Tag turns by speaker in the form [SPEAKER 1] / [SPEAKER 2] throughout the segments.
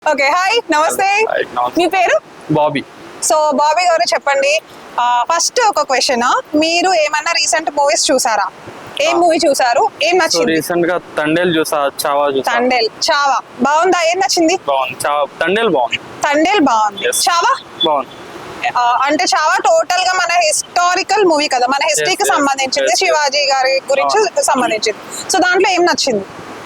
[SPEAKER 1] Okay hi నమస్తే మీ పేరు
[SPEAKER 2] Bobby.
[SPEAKER 1] So Bobby గారు చెప్పండి ఫస్ట్ ఒక క్వశ్చన్ మీరు ఏమన్నా రీసెంట్ మూవీస్ చూసారా ఏం మూవీ చూసారు ఏం నచ్చింది
[SPEAKER 2] రీసెంట్ గా తండేల్ చూసా, చావా చూసా.
[SPEAKER 1] తండేల్ చావా బాగుందా ఏం నచ్చింది
[SPEAKER 2] బాగుంది. తండేల్ బాగుంది.
[SPEAKER 1] తండేల్ బాగుంది
[SPEAKER 2] Yes.
[SPEAKER 1] చావా
[SPEAKER 2] బాగుంది.
[SPEAKER 1] అంటే చావా టోటల్ గా మన హిస్టారికల్ మూవీ కదా మన హిస్టరీకి
[SPEAKER 2] yes,
[SPEAKER 1] సంబంధించింది
[SPEAKER 2] yes.
[SPEAKER 1] శివాజీ గారి గురించి సంబంధించింది సో దాంట్లో ఏం నచ్చింది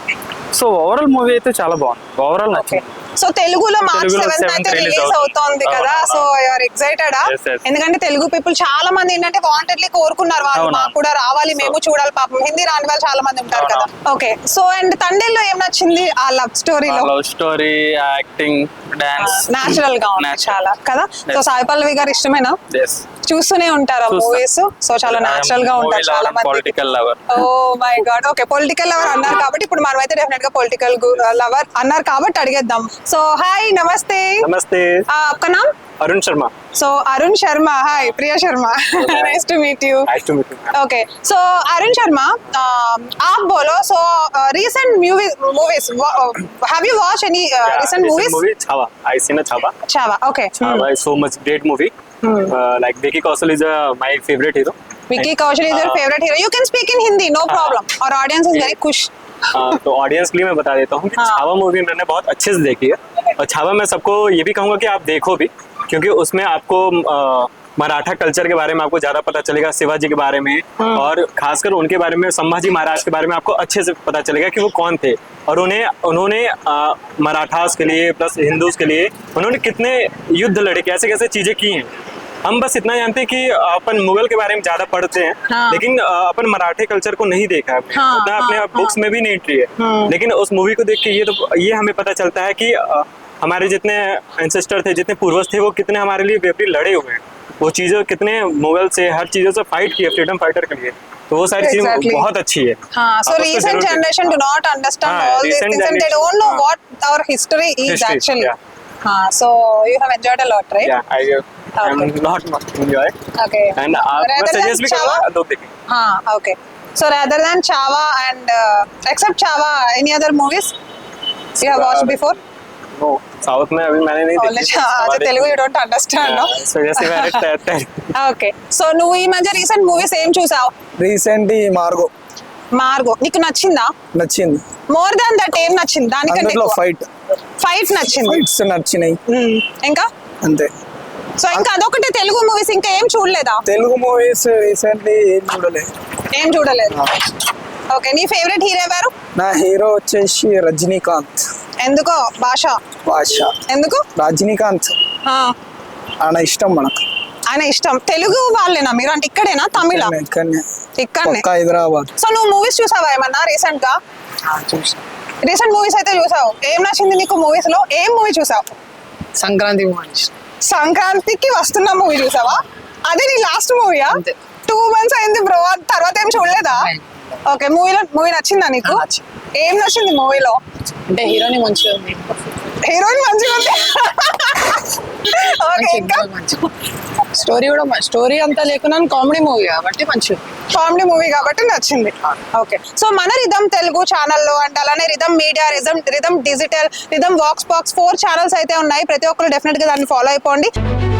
[SPEAKER 2] సో ఓవరాల్ మూవీ అయితే చాలా బాగుంది. ఓవరాల్
[SPEAKER 1] ఓకే
[SPEAKER 2] నచ్చింది.
[SPEAKER 1] సో తెలుగులో మార్చ్
[SPEAKER 2] తెలుగులో
[SPEAKER 1] 7th అయితే
[SPEAKER 2] 7th
[SPEAKER 1] రిలీజ్
[SPEAKER 2] release
[SPEAKER 1] అవుతోంది కదా
[SPEAKER 2] అవును,
[SPEAKER 1] so you're excited
[SPEAKER 2] Yes, yes.
[SPEAKER 1] ఎందుకంటే తెలుగు పీపుల్ చాలా మంది ఏంటంటే వాంటెడ్లీ కోరుకున్నారు వాళ్ళు
[SPEAKER 2] అవును.
[SPEAKER 1] మాకు కూడా రావాలి మేము చూడాలి పాపం హిందీ రాని వాళ్ళు చాలా మంది ఉంటారు కదా
[SPEAKER 2] అవును.
[SPEAKER 1] ఓకే సో అండ్ తండేల్లో ఏం నచ్చింది ఆ లవ్ స్టోరీలో
[SPEAKER 2] love story, acting, dance
[SPEAKER 1] natural గా ఉంది
[SPEAKER 2] Natural.
[SPEAKER 1] చాలా కదా సో
[SPEAKER 2] Yes.
[SPEAKER 1] సాయి పల్లవి గారు ఇష్టమేనా చూస్తూనే ఉంటారు
[SPEAKER 2] చూస్తా.
[SPEAKER 1] మూవీస్ సో చాలా నాచురల్ గా ఉంటారు చాలా మంది
[SPEAKER 2] political lover.
[SPEAKER 1] Oh my god okay political lover అన్నారు కాబట్టి ఇప్పుడు మనం అయితే డెఫినెట్ గా పొలిటికల్ లవర్ అన్నారు కాబట్టి అడిగేద్దాం సో హాయ్ నమస్తే
[SPEAKER 3] नमस्ते
[SPEAKER 1] आपका नाम
[SPEAKER 3] Arun Sharma
[SPEAKER 1] so Arun Sharma hi Priya Sharma nice to meet you
[SPEAKER 3] nice to meet you
[SPEAKER 1] okay so Arun Sharma आप बोलो so recent movies have you watched any recent movies
[SPEAKER 3] movie Chhaava I seen Chhaava
[SPEAKER 1] Chava okay
[SPEAKER 3] Chhaava is so much great movie like Vicky Kaushal is my favourite hero
[SPEAKER 1] Vicky Kaushal is your favorite hero you can speak in Hindi no problem our audience is very खुश
[SPEAKER 3] तो audience के लिए मैं बता देता हूँ कि
[SPEAKER 1] हाँ.
[SPEAKER 3] छावा मूवी मैंने बहुत अच्छे से देखी है और छावा मैं सबको ये भी कहूँगा कि आप देखो भी क्योंकि उसमें आपको मराठा कल्चर के बारे में आपको ज्यादा पता चलेगा, शिवाजी के बारे में और खासकर उनके बारे में, संभाजी महाराज के बारे में आपको अच्छे से पता चलेगा कि वो कौन थे और उन्होंने मराठास के लिए प्लस हिंदूज के लिए उन्होंने कितने युद्ध लड़े, कैसे कैसे चीजें की हैं। हम बस इतना जानते हैं कि अपन मुगल के बारे में ज्यादा पढ़ते हैं
[SPEAKER 1] हाँ.
[SPEAKER 3] लेकिन अपन मराठे कल्चर को नहीं देखा है
[SPEAKER 1] हाँ,
[SPEAKER 3] उतना अपने
[SPEAKER 1] हाँ,
[SPEAKER 3] बुक्स में भी नहीं एंट्री है लेकिन उस मूवी को देख के ये हमें पता चलता है कि हमारे जितने एंसेस्टर थे, जितने पूर्वज थे, वो कितने हमारे लिए वेपरी लड़े हुए हैं, वो चीजों कितने मुगल से हर चीजों से फाइट किए फ्रीडम फाइटर के लिए, तो वो सारी
[SPEAKER 1] Exactly.
[SPEAKER 3] चीजें बहुत अच्छी है।
[SPEAKER 1] हाँ, so
[SPEAKER 3] आप उसको
[SPEAKER 1] recent
[SPEAKER 3] जरूर
[SPEAKER 1] generation do
[SPEAKER 3] देखो।
[SPEAKER 1] not understand
[SPEAKER 3] हाँ,
[SPEAKER 1] all these
[SPEAKER 3] recent
[SPEAKER 1] things and they
[SPEAKER 3] generation,
[SPEAKER 1] don't know
[SPEAKER 3] हाँ.
[SPEAKER 1] what our history is
[SPEAKER 3] History,
[SPEAKER 1] actually.
[SPEAKER 3] yeah.
[SPEAKER 1] हाँ, so you have enjoyed a lot, right?
[SPEAKER 3] Yeah, I am not much enjoy
[SPEAKER 1] Okay.
[SPEAKER 3] and मैं
[SPEAKER 1] Rather than
[SPEAKER 3] suggest भी
[SPEAKER 1] Chava?
[SPEAKER 3] करूँगा लोग देखें।
[SPEAKER 1] हाँ, okay. So rather than Chava and except Chava, any other movies you have watched before?
[SPEAKER 3] No, south में अभी मैंने नहीं
[SPEAKER 1] Only
[SPEAKER 3] देखी।
[SPEAKER 1] अच्छा Telugu you don't understand, no?
[SPEAKER 3] इस वजह से मैंने
[SPEAKER 1] Okay. So నువ్వు ఈ మధ్య రీసెంట్ మూవీస్ ఏం చూసావు?
[SPEAKER 4] రీసెంట్ ఈ మార్గో
[SPEAKER 1] మార్గో నీకు నచ్చిందా?
[SPEAKER 4] నచ్చింది.
[SPEAKER 1] మోర్ దాన్ దట్ ఏం నచ్చింది? దానికంటే
[SPEAKER 4] అందులో
[SPEAKER 1] ఫైట్ నచ్చింది.
[SPEAKER 4] ఫైట్స్ నచ్చినాయి
[SPEAKER 1] ఇంకా
[SPEAKER 4] అంతే.
[SPEAKER 1] సో ఇంకా అదొకటి తెలుగు మూవీస్ ఇంకా ఏం చూడలేదా?
[SPEAKER 4] తెలుగు మూవీస్ రీసెంట్లీ ఏం చూడలేదు.
[SPEAKER 1] ఓకే నీ ఫేవరెట్ హీరో ఎవరు?
[SPEAKER 4] నా హీరో వచ్చేసి రజనీకాంత్.
[SPEAKER 1] ఎందుకో భాష ఎందుకు?
[SPEAKER 4] రజనీకాంత్
[SPEAKER 1] ఆ,
[SPEAKER 4] ఆయన ఇష్టం మనకు.
[SPEAKER 1] ఆయన ఇష్టం. తెలుగు వాళ్ళేనా మీరు? అంటే ఇక్కడేనా తమిళ?
[SPEAKER 4] ఇక్కడనే
[SPEAKER 1] ఇక్కడనే.
[SPEAKER 4] పక్క హైదరాబాద్.
[SPEAKER 1] సో నువ్వు మూవీస్ చూసావా ఏమన్నా రీసెంట్ గా? రీసెంట్ మూవీస్ అయితే చూసావు. ఏం నచ్చింది నీకు మూవీస్ లో? ఏం మూవీ చూసావు?
[SPEAKER 5] సంక్రాంతి మూవీ
[SPEAKER 1] సంక్రాంతికి వస్తున్న మూవీ చూసావా? అదే నీ లాస్ట్ మూవీయా? 2 months అయింది బ్రో. తర్వాత ఏం చూడలేదా? ఓకే మూవీ నచ్చిందా నీకు? ఏం నచ్చింది మూవీలో?
[SPEAKER 5] అంటే హీరోని మంచిగా ఉంది,
[SPEAKER 1] హీరోయిన్ మంచిగా ఉంది. ఓకే ఇంకా
[SPEAKER 5] స్టోరీ అంతా లేకున్నా కామెడీ మూవీ కాబట్టి మంచిగా
[SPEAKER 1] కామెడీ మూవీ కాబట్టి నచ్చింది. ఓకే సో మన రిధమ్ తెలుగు ఛానల్లో అండ్ అలానే Rhythm media, Rhythm digital, Rhythm vox 4 channels అయితే ఉన్నాయి. ప్రతి ఒక్కరు డెఫినెట్ గా దాన్ని ఫాలో అయిపోండి.